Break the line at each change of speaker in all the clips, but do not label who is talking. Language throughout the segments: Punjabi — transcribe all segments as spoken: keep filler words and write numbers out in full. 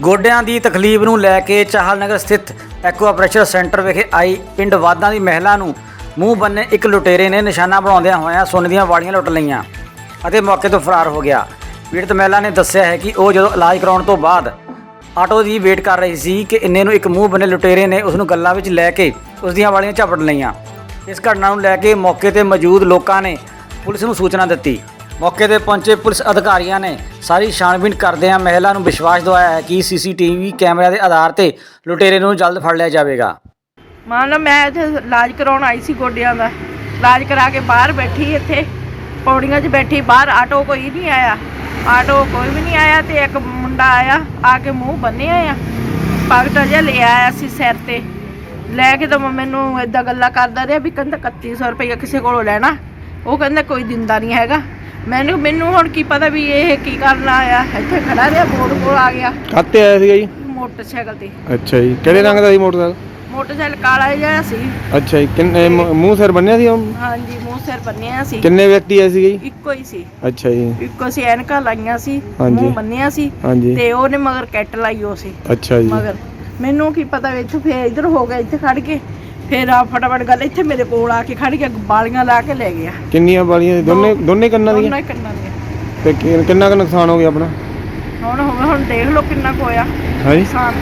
ਗੋਡਿਆਂ ਦੀ ਤਕਲੀਫ ਨੂੰ ਲੈ ਕੇ ਚਾਹਲ ਨਗਰ ਸਥਿਤ ਐਕਵਾ ਪ੍ਰੈਸ਼ਰ ਸੈਂਟਰ ਵਿਖੇ ਆਈ ਪਿੰਡ ਵਾਦਾਂ ਦੀ ਮਹਿਲਾ ਨੂੰ ਮੂੰਹ ਬੰਨੇ ਇੱਕ ਲੁਟੇਰੇ ਨੇ ਨਿਸ਼ਾਨਾ ਬਣਾਉਂਦਿਆਂ ਹੋਇਆਂ ਸੋਨੇ ਦੀਆਂ ਵਾੜੀਆਂ ਲੁੱਟ ਲਈਆਂ ਅਤੇ ਮੌਕੇ ਤੋਂ ਫਰਾਰ ਹੋ ਗਿਆ। ਪੀੜਤ ਮਹਿਲਾ ਨੇ ਦੱਸਿਆ ਹੈ ਕਿ ਉਹ ਜਦੋਂ ਇਲਾਜ ਕਰਾਉਣ ਤੋਂ ਬਾਅਦ ਆਟੋ ਦੀ ਵੇਟ ਕਰ ਰਹੀ ਸੀ ਕਿ ਇੰਨੇ ਨੂੰ ਇੱਕ ਮੂੰਹ ਬੰਨੇ ਲੁਟੇਰੇ ਨੇ ਉਸ ਨੂੰ ਗੱਲਾਂ ਵਿੱਚ ਲੈ ਕੇ ਉਸ ਦੀਆਂ ਵਾੜੀਆਂ ਝਪਟ ਲਈਆਂ। ਇਸ ਘਟਨਾ ਨੂੰ ਲੈ ਕੇ ਮੌਕੇ ਤੇ ਮੌਜੂਦ ਲੋਕਾਂ ਨੇ ਪੁਲਿਸ ਨੂੰ ਸੂਚਨਾ ਦਿੱਤੀ। ਮੌਕੇ ਤੇ ਪਹੁੰਚੇ ਪੁਲਿਸ ਅਧਿਕਾਰੀਆਂ ਨੇ ਸਾਰੀ ਛਾਣਬੀਣ ਕਰਦਿਆਂ ਮਹਿਲਾ ਨੂੰ ਵਿਸ਼ਵਾਸ ਦਿਵਾਇਆ ਹੈ ਕਿ ਸੀਸੀਟੀਵੀ ਕੈਮਰਿਆਂ ਦੇ ਆਧਾਰ ਤੇ ਲੁਟੇਰੇ ਨੂੰ ਜਲਦ ਫੜ ਲਿਆ ਜਾਵੇਗਾ।
ਮੰਨ ਲਓ ਮੈਂ ਇੱਥੇ ਇਲਾਜ ਕਰਾਉਣ ਆਈ ਸੀ ਗੋਡਿਆਂ ਦਾ, ਇਲਾਜ ਕਰਾ ਕੇ ਬਾਹਰ ਬੈਠੀ ਇੱਥੇ ਪੌੜੀਆਂ 'ਚ ਬੈਠੀ, ਬਾਹਰ ਆਟੋ ਕੋਈ ਨਹੀਂ ਆਇਆ, ਆਟੋ ਕੋਈ ਵੀ ਨਹੀਂ ਆਇਆ ਤੇ ਇੱਕ ਮੁੰਡਾ ਆਇਆ, ਆ ਕੇ ਮੂੰਹ ਬੰਨਿਆ ਆ, ਪਗਟ ਜਿਹਾ ਲੈ ਆਇਆ ਸੀ ਸਿਰ ਤੇ, ਲੈ ਕੇ ਤਾਂ ਮੈਨੂੰ ਇੱਦਾਂ ਗੱਲਾਂ ਕਰਦਾ ਰਿਹਾ ਵੀ ਕਹਿੰਦਾ ਇਕੱਤੀ ਸੌ ਰੁਪਈਆ ਕਿਸੇ ਕੋਲੋਂ ਲੈਣਾ, ਉਹ ਕਹਿੰਦਾ ਕੋਈ ਦਿੰਦਾ ਨਹੀਂ ਹੈਗਾ। ਮੈਨੂੰ ਮੈਨੂੰ ਹੁਣ ਕੀ ਪਤਾ ਵੀ ਇਹ ਕੀ ਕਰਨ ਆਇਆ, ਇੱਥੇ ਖੜਾ ਰਿਹਾ, ਬੋਰਡ ਕੋਲ ਆ ਗਿਆ।
ਕਾਹਤੇ ਆਇਆ ਸੀਗਾ ਜੀ?
ਮੋਟਰਸਾਈਕਲ ਤੇ।
ਅੱਛਾ ਜੀ, ਕਿਹੜੇ ਰੰਗ ਦਾ ਸੀ ਮੋਟਰਸਾਈਕਲ?
ਮੋਟਰਸਾਈਕਲ ਕਾਲਾ ਜਿਹਾ ਸੀ।
ਅੱਛਾ ਜੀ, ਕਿੰਨੇ ਮੂੰਹ ਸਿਰ ਬੰਨਿਆ ਸੀ?
ਹਾਂਜੀ, ਮੂੰਹ ਸਿਰ ਬੰਨਿਆ ਸੀ।
ਕਿੰਨੇ ਵਿਅਕਤੀ ਆਏ ਸੀਗੇ ਜੀ?
ਇੱਕੋ ਹੀ ਸੀ।
ਅੱਛਾ ਜੀ,
ਇੱਕੋ ਸੀ, ਐਨਕਾਂ ਲਾਈਆਂ ਸੀ,
ਹਾਂਜੀ।
ਮੂੰਹ ਬੰਨਿਆ ਸੀ
ਹਾਂਜੀ।
ਤੇ ਉਹਨੇ ਮਗਰ ਕੈਟ ਲਾਈ ਹੋ ਸੀ।
ਅੱਛਾ ਜੀ,
ਮਗਰ ਮੈਨੂੰ ਕੀ ਪਤਾ ਵੀ ਇੱਥੇ ਫੇਰ ਇੱਧਰ ਹੋ ਗਿਆ, ਇੱਥੇ ਖੜ ਕੇ ਫੇਰ ਆ ਫਟਾਫਟ ਗੱਲ ਇੱਥੇ ਮੇਰੇ ਕੋਲ ਆ ਕੇ ਖੜ ਕੇ ਬਾਲੀਆਂ ਲਾ ਕੇ ਲੈ ਗਿਆ।
ਕਿੰਨੀਆਂ ਵਾਲੀਆਂ? ਦੋਨੇ ਦੋਨੇ ਕੰਨਾਂ ਦੀਆਂ?
ਦੋਨੇ ਕੰਨਾਂ ਦੀਆਂ।
ਤੇ ਕਿ- ਕਿੰਨਾ ਕੁ ਨੁਕਸਾਨ ਹੋ ਗਿਆ ਆਪਣਾ?
ਹੁਣ ਹੋਵੇ ਹੁਣ ਦੇਖ ਲਓ ਕਿੰਨਾ ਕੁ ਹੋਇਆ
ਹਾਂਜੀ
ਨੁਕਸਾਨ।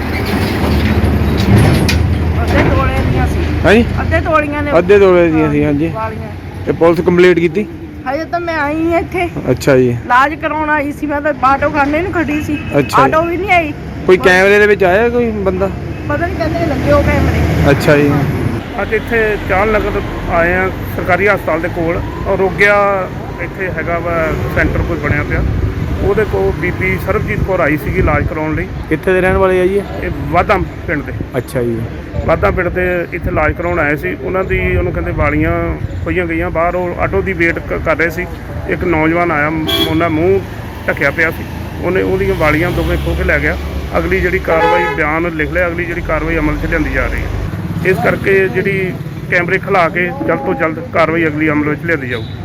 ਅੱਧੇ ਤੋਲੇ ਦੀਆਂ ਸੀ।
ਹਾਂਜੀ,
ਅੱਧੇ ਤੋਲੀਆਂ ਨੇ।
ਅੱਧੇ ਤੋਲੇ ਦੀਆਂ ਸੀ। ਹਾਂਜੀ,
ਵਾਲੀਆਂ।
ਤੇ ਪੁਲਿਸ ਕੰਪਲੀਟ ਕੀਤੀ?
ਹਜੇ ਤਾਂ ਮੈਂ ਆਈ ਹਾਂ ਇੱਥੇ
ਅੱਛਾ ਜੀ,
ਇਲਾਜ ਕਰਾਉਣ ਆਈ ਸੀ, ਮੈਂ ਤਾਂ ਆਟੋ ਖਾਨੇ ਨੂੰ ਖੜੀ ਸੀ।
ਅੱਛਾ।
ਆਟੋ ਵੀ ਨਹੀਂ ਆਈ।
ਕੋਈ ਕੈਮਰੇ ਦੇ ਵਿੱਚ ਆਇਆ ਕੋਈ ਬੰਦਾ?
ਪਤਾ ਨਹੀਂ ਕਹਿੰਦੇ ਲੱਗੇ ਹੋ ਕੈਮਰੇ।
ਅੱਛਾ ਜੀ,
ਅੱਜ ਇੱਥੇ ਚਾਹਲ ਨਗਰ ਆਏ ਆ ਸਰਕਾਰੀ ਹਸਪਤਾਲ ਦੇ ਕੋਲ, ਔਰ ਰੋਗਿਆ ਇੱਥੇ ਹੈਗਾ ਵਾ ਸੈਂਟਰ ਕੋਈ ਬਣਿਆ ਪਿਆ, ਉਹਦੇ ਕੋਲ ਬੀਬੀ ਸਰਬਜੀਤ ਕੌਰ ਆਈ ਸੀਗੀ ਇਲਾਜ ਕਰਾਉਣ ਲਈ।
ਕਿੱਥੇ ਦੇ ਰਹਿਣ ਵਾਲੇ ਆ ਜੀ ਇਹ?
ਇਹ ਵਾਧਾ ਪਿੰਡ ਦੇ।
ਅੱਛਾ ਜੀ,
ਵਾਧਾ ਪਿੰਡ ਦੇ ਇੱਥੇ ਇਲਾਜ ਕਰਾਉਣ ਆਏ ਸੀ। ਉਹਨਾਂ ਦੀ ਉਹਨੂੰ ਕਹਿੰਦੇ ਵਾਲੀਆਂ ਖੋਈਆਂ ਗਈਆਂ, ਬਾਹਰ ਉਹ ਆਟੋ ਦੀ ਵੇਟ ਕ- ਕਰ ਰਹੇ ਸੀ। ਇੱਕ ਨੌਜਵਾਨ ਆਇਆ, ਉਹਨਾਂ ਮੂੰਹ ਢੱਕਿਆ ਪਿਆ ਸੀ, ਉਹਨੇ ਉਹਦੀਆਂ ਵਾਲੀਆਂ ਦੋਵੇਂ ਖੋਹ ਕੇ ਲੈ ਗਿਆ। ਅਗਲੀ ਜਿਹੜੀ ਕਾਰਵਾਈ ਬਿਆਨ ਲਿਖ ਲਿਆ, ਅਗਲੀ ਜਿਹੜੀ ਕਾਰਵਾਈ ਅਮਲ 'ਚ ਲਿਆਂਦੀ ਜਾ ਰਹੀ ਹੈ। ਇਸ ਕਰਕੇ ਜਿਹੜੀ ਕੈਮਰੇ ਖਿਲਾ ਕੇ ਜਲਦ ਤੋਂ ਜਲਦ ਕਾਰਵਾਈ ਅਗਲੀ ਅਮਲ ਵਿੱਚ ਲਿਆਂਦੀ ਜਾਊ।